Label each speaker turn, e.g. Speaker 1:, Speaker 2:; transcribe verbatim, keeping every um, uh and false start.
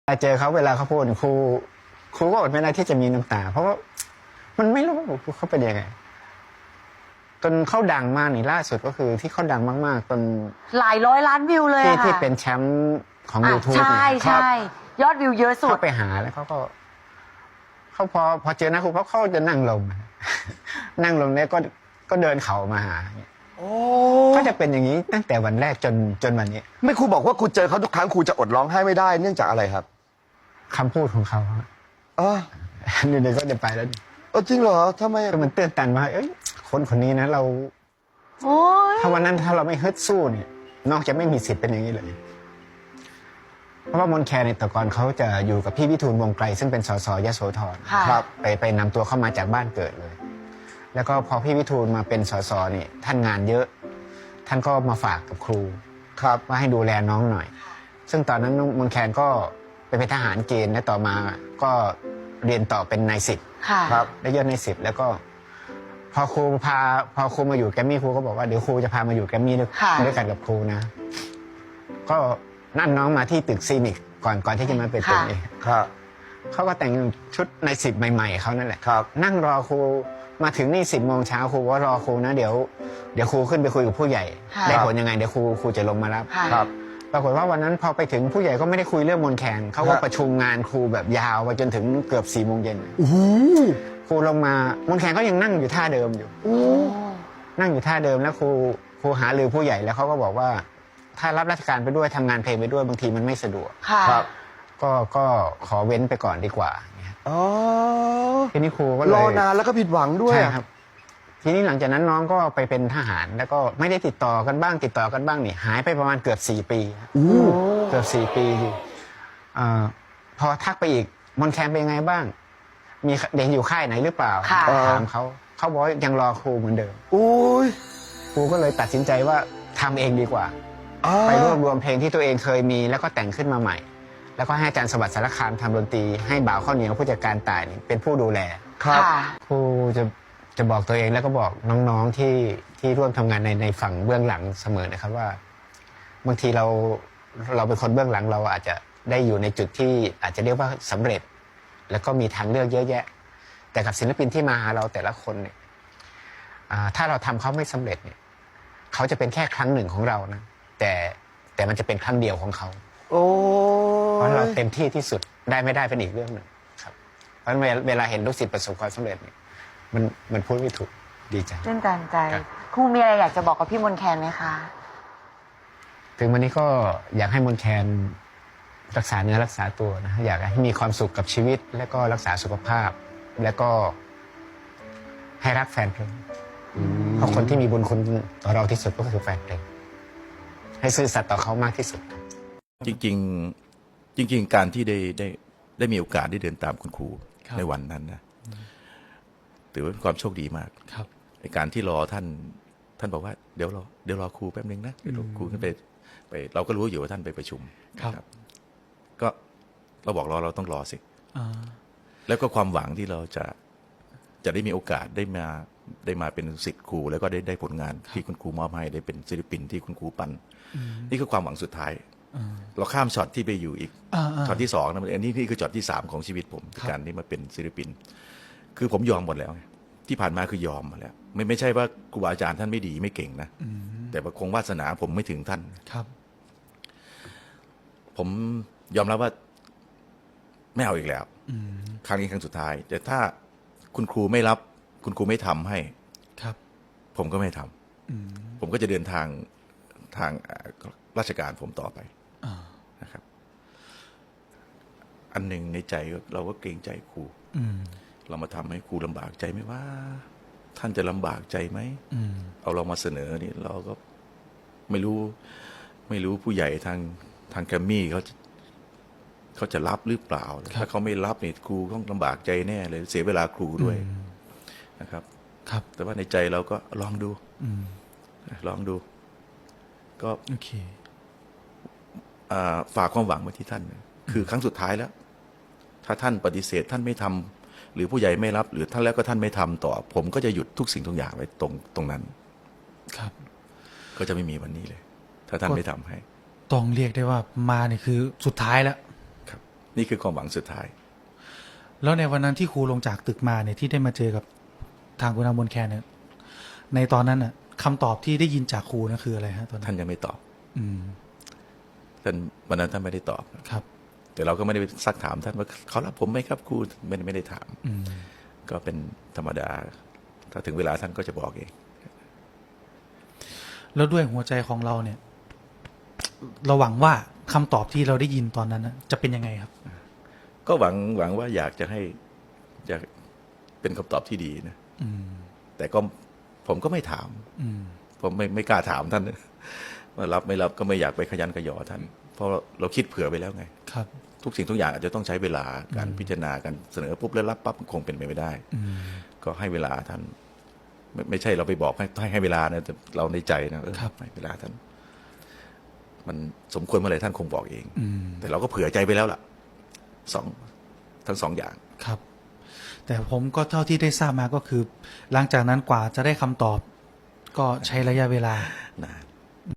Speaker 1: เจอเขาเวลาเขาพูดครูครูก็อดไม่ได้ที่จะมีน้ำตาเพราะว่ามันไม่รู้เขาเป็นยังไงจนเขาดังมากนี่ล่าสุดก็คือที่เขาดังมากๆจน
Speaker 2: หลายร้อยล้านวิวเลย
Speaker 1: ที่
Speaker 2: อะ
Speaker 1: ที่
Speaker 2: ค่ะ
Speaker 1: เป็นแชมป์ของ
Speaker 2: อ่ะ
Speaker 1: YouTube
Speaker 2: ใช่ใช่ยอดวิวเยอะสุด
Speaker 1: เขาไปหาแล้วเขาก็เขาพอพอเจอหน้าครูเขาเขาจะนั่งลง นั่งลงแล้วก็ก็เดินเขามาหาก็จะเป็นอย่างนี้ตั้งแต่วันแรกจนจนวันนี้
Speaker 3: ไม่ครูบอกว่าครูเจอเขาทุกครั้งครูจะอดร้องไห้ไม่ได้เนื่องจากอะไรครับ
Speaker 1: คำพูดของเขา
Speaker 3: อ๋อ
Speaker 1: นี่เดี๋ยวก็จะไปแล้ว
Speaker 3: เออจริงเหรอทำไม
Speaker 1: ก็มันเตือนตันว่าเอ้ยคนคนนี้นะเราถ้าวันนั้นถ้าเราไม่ฮึดสู้เนี่ยนอกจะไม่มีสิทธิ์เป็นอย่างนี้เลยเพราะว่ามนแคนในแต่ก่อนเขาจะอยู่กับพี่วิทูลวงไกลซึ่งเป็นสสยโสธรครับไปไปนำตัวเข้ามาจากบ้านเกิดเลยแล้วก็พอพี่วิทูลมาเป็นสสนี่ท่านงานเยอะท่านก็มาฝากกับครูครับว่าให้ดูแลน้องหน่อยซึ่งตอนนั้นมนแคนก็ไปเป็นทหารเกณฑ์และต่อมาก็เรียนต่อเป็นนายสิบครับได้ยศนายสิบแล้วก็พอครูพาพอครูมาอยู่แกมมี่ครูก็บอกว่าเดี๋ยวครูจะพามาอยู่แกมมี่ด้วยด้วยกันกับครูนะก็นั่นน้องมาที่ตึกซีนิกก่อนก่อนที่จะมาเป็นตึกนี้ครับเขาก็แต่งชุดในสิบใหม่ๆเขานั่นแหละครับนั่งรอครูมาถึงนี่สิบโมงเช้าครูว่ารอครูนะเดี๋ยวเดี๋ยวครูขึ้นไปคุยกับผู้ใหญ่ได้ผลยังไงเดี๋ยวครูครูจะลงมารับครับปรากฏว่าวันนั้นพอไปถึงผู้ใหญ่ก็ไม่ได้คุยเรื่องมนแคนเขาก็ประชุมงานครูแบบยาวไปจนถึงเกือบสี่โมงเย็นครูลงมามนแคนก็ยังนั่งอยู่ท่าเดิมอยู่นั่งอยู่ท่าเดิมแล้วครูครูหารือผู้ใหญ่แล้วเขาก็บอกว่าถ้ารับราชการไปด้วยทำงานเพลงไปด้วยบางทีมันไม่สะดวกครับก็ก็ขอเว้นไปก่อนดีกว่า
Speaker 3: อ๋อ
Speaker 1: ทีนี้ครูก็เลย
Speaker 3: รอนานแล้วก็ผิดหวังด้วย
Speaker 1: ใช่ครับทีนี้หลังจากนั้นน้องก็ไปเป็นทหารแล้วก็ไม่ได้ติดต่อกันบ้างติดต่อกันบ้างนี่หายไปประมาณเกือบสี่ปีเกือบสี่ปีพอทักไปอีกมนแคนเป็นยังไงบ้างมีเด็กอยู่ค่ายไหนหรือเปล่าถามเขาเขาบอกยังรอครูเหมือนเดิมครูก็เลยตัดสินใจว่าทำเองดีกว่าไปรวบรวมเพลงที่ตัวเองเคยมีแล้วก็แต่งขึ้นมาใหม่แล้วก็ให้อาจารย์สวัสดิ์สารคามทำดนตรีให้บ่าวข้าวเหนียวผู้จัดการตายเป็นผู้ดูแลครับครูจะจะบอกตัวเองแล้วก็บอกน้องๆที่ที่ร่วมทำงานในในฝั่งเบื้องหลังเสมอนะครับว่าบางทีเราเราเป็นคนเบื้องหลังเราอาจจะได้อยู่ในจุดที่อาจจะเรียกว่าสำเร็จแล้วก็มีทางเลือกเยอะแยะแต่กับศิลปินที่มาหาเราแต่ละคนเนี่ยถ้าเราทำเขาไม่สำเร็จเนี่ยเขาจะเป็นแค่ครั้งหนึ่งของเรานะแต่แต่มันจะเป็นครั้งเดียวของเขาโอ้เพราะเราเต็มที่ที่สุดได้ไม่ได้เป็นอีกเรื่องหนึ่งครับเพราะเวลาเห็นลูกศิษย์ประสบความสำเร็จเนี่ยมันมันพูดไม่ถูกดีใจ
Speaker 2: ตื่นตันใจครูมีอะไรอยากจะบอกกับพี่มนแคนไหมคะ
Speaker 1: ถึงวันนี้ก็อยากให้มนแคนรักษาเนื้อรักษาตัวนะอยากให้มีความสุขกับชีวิตและก็รักษาสุขภาพและก็ให้รักแฟนเพลงเพราะคนที่มีบุญคุณต่อเราที่สุดก็คือแฟนเพลงให้ซื่อสัตย์ต่อเขามากที่สุด
Speaker 4: จริงๆจริงๆการที่ได้ได้ได้มีโอกาสได้เดินตามคุณครูในวันนั้นนะถือว่าเป็นความโชคดีมากครับในการที่รอท่านท่านบอกว่าเดี๋ยวรอเดี๋ยวรอครูแป๊บนึงนะเดี๋ยวครูขึ้นไปไปเราก็รู้อยู่ว่าท่านไปประชุมครับก็เราบอกรอเราต้องรอสิแล้วก็ความหวังที่เราจะจะได้มีโอกาสได้มาได้มาเป็นศิษย์ครูแล้วก็ได้ได้ผลงานที่คุณครูมอบให้ได้เป็นศิลปินที่คุณครูปั้นนี่คือความหวังสุดท้ายเราข้ามช็อตที่ไปอยู่อีกช็อตที่สองนะอันนี้นี่คือช็อตที่สามของชีวิตผมการที่มาเป็นศิลปินคือผมยอมหมดแล้วที่ผ่านมาคือยอมมาแล้วไม่ไม่ใช่ว่าครูอาจารย์ท่านไม่ดีไม่เก่งนะแต่ว่าคงวาสนาผมไม่ถึงท่านครับผมยอมรับว่าไม่เอาอีกแล้วครั้งนี้ครั้งสุดท้ายแต่ถ้าคุณครูไม่รับคุณครูไม่ทำให้ครับผมก็ไม่ทำผมก็จะเดินทางทางราชการผมต่อไปนะครับอันหนึ่งในใจเราก็เกรงใจครูเรามาทำให้ครูลำบากใจไหมว่าท่านจะลำบากใจไหมเอาเรามาเสนอนี่เราก็ไม่รู้ไม่รู้ผู้ใหญ่ทางทางแกรมมี่เขาเขาจะรับหรือเปล่าถ้าเขาไม่รับเนี่ยครูต้องลำบากใจแน่เลยเสียเวลาครูด้วยนะครับครับแต่ว่าในใจเราก็ลองดูลองดูก็โอเคฝากความหวังไว้ที่ท่านคือครั้งสุดท้ายแล้วถ้าท่านปฏิเสธท่านไม่ทำหรือผู้ใหญ่ไม่รับหรือท่านแล้วก็ท่านไม่ทำต่อผมก็จะหยุดทุกสิ่งทุกอย่างไว้ตรงตรงนั้นครับก็จะไม่มีวันนี้เลยถ้าท่านไม่ทำให้
Speaker 5: ต้องเรียกได้ว่ามาเนี่ยคือสุดท้ายแล้วครับ
Speaker 4: นี่คือความหวังสุดท้าย
Speaker 5: แล้วในวันนั้นที่ครูลงจากตึกมาเนี่ยที่ได้มาเจอกับทางคุณอามนแคนเนี่ยในตอนนั้นน่ะคำตอบที่ได้ยินจากครูนั่นคืออะไรฮะตอนนั้
Speaker 4: ท่าน นยังไม่ตอบ
Speaker 5: อืม
Speaker 4: ท่านวันนั้นท่านไม่ได้ตอบ
Speaker 5: ครับ
Speaker 4: แต่เราก็ไม่ได้ไปซักถามท่านว่าเขารับผมไหมครับครูไม่ได้ไม่ได้ถาม
Speaker 5: อืม
Speaker 4: ก็เป็นธรรมดา ถ้าถึงเวลาท่านก็จะบอกเอง
Speaker 5: แล้วด้วยหัวใจของเราเนี่ย เราหวังว่าคำตอบที่เราได้ยินตอนนั้นน่ะจะเป็นยังไงครับ
Speaker 4: ก็หวังหวังว่าอยากจะให้อยากเป็นคำตอบที่ดีนะ
Speaker 5: อืม
Speaker 4: แต่ก็ผมก็ไม่ถาม
Speaker 5: อืม
Speaker 4: ผมไม่ไม่กล้าถามท่าน ว่ารับไม่รับก็ไม่อยากไปขยันขยอท่าน เพราะเราคิดเผื่อไปแล้วไง
Speaker 5: ครับ
Speaker 4: ทุกสิ่งทุกอย่างอาจจะต้องใช้เวลาการพิจารณาการเสนอปุ๊บแล้วรับปั๊บคงเป็นไปไม่ได้
Speaker 5: อืม
Speaker 4: ก็ให้เวลาท่าน ไม่ไม่ใช่เราไปบอกให้ให้ให้เวลานะแต่เราในใจนะเออ
Speaker 5: ครับ
Speaker 4: ให้เวลาท่าน มันสมควรเมื่อไหร่ท่านคงบอกเอง
Speaker 5: อืม
Speaker 4: แต่เราก็เผื่อใจไปแล้วล่ะสองทั้งสองอย่าง
Speaker 5: ครับ แต่ผมก็เท่าที่ได้ทราบมาก็คือ หลังจากนั้นกว่าจะได้คำตอบ ก็ใช้ระยะเวลา
Speaker 4: นาน